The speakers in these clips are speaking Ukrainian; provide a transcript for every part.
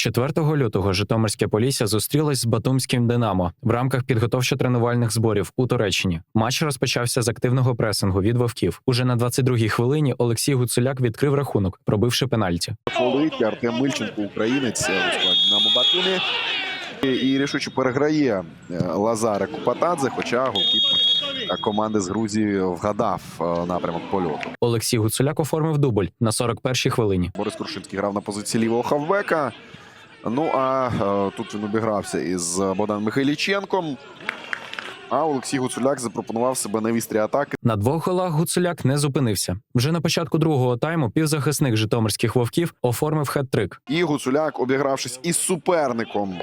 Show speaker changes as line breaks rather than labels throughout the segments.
4 лютого Житомирське Полісся зустрілось з Батумським «Динамо» в рамках підготовчо-тренувальних зборів у Туреччині. Матч розпочався з активного пресингу від вовків. Уже на 22-й хвилині Олексій Гуцуляк відкрив рахунок, пробивши пенальті.
Фолить Артем Мильченко, українець у складі «Динамо» Батумі. І рішуче переграє Лазаре Купатадзе, хоча голкіпер команди з Грузії вгадав напрямок польоту.
Олексій Гуцуляк оформив дубль на 41-й хвилині.
Борис Крушинський грав на позиції лівого хавбека. Ну а тут він обігрався із Богданом Михайліченком. А Олексій Гуцуляк запропонував себе на вістрі атаки.
На 2 голах Гуцуляк не зупинився. Вже на початку другого тайму півзахисник житомирських вовків оформив хет-трик.
І Гуцуляк, обігравшись із суперником,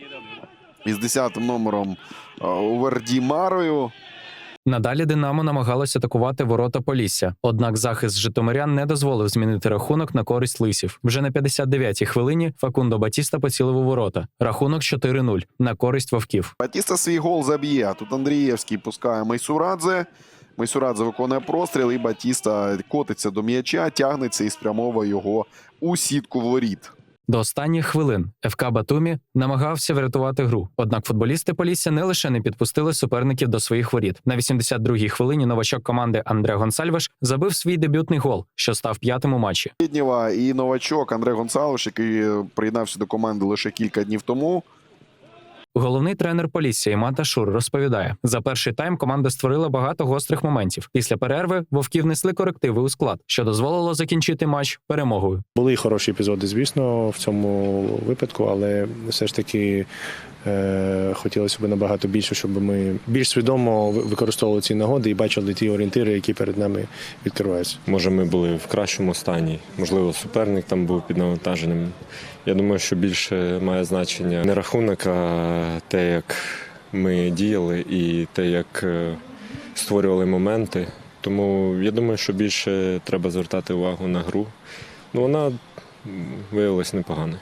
із 10-м номером Уверді Марою.
Надалі «Динамо» намагалося атакувати ворота Полісся. Однак захист житомирян не дозволив змінити рахунок на користь лисів. Вже на 59-й хвилині Факундо Батіста поцілив у ворота. Рахунок 4-0 на користь вовків.
Батіста свій гол заб'є. Тут Андрієвський пускає Майсурадзе. Майсурадзе виконує простріл, і Батіста котиться до м'яча, тягнеться і спрямовує його у сітку воріт.
До останніх хвилин ФК Батумі намагався врятувати гру. Однак футболісти Полісся не лише не підпустили суперників до своїх воріт. На 82-й хвилині новачок команди Андре Гонсальвеш забив свій дебютний гол, що став 5-м у матчі.
Віднєва і новачок Андре Гонсалвеш, який приєднався до команди лише кілька днів тому.
Головний тренер Полісся Іман Ташур розповідає, за перший тайм команда створила багато гострих моментів. Після перерви вовки внесли корективи у склад, що дозволило закінчити матч перемогою.
Були й хороші епізоди, звісно, в цьому випадку, але все ж таки хотілося б набагато більше, щоб ми більш свідомо використовували ці нагоди і бачили ті орієнтири, які перед нами відкриваються.
Може, ми були в кращому стані, можливо, суперник там був під навантаженням. Я думаю, що більше має значення не рахунок, а те, як ми діяли і те, як створювали моменти. Тому я думаю, що більше треба звертати увагу на гру. Ну, вона виявилась непоганою.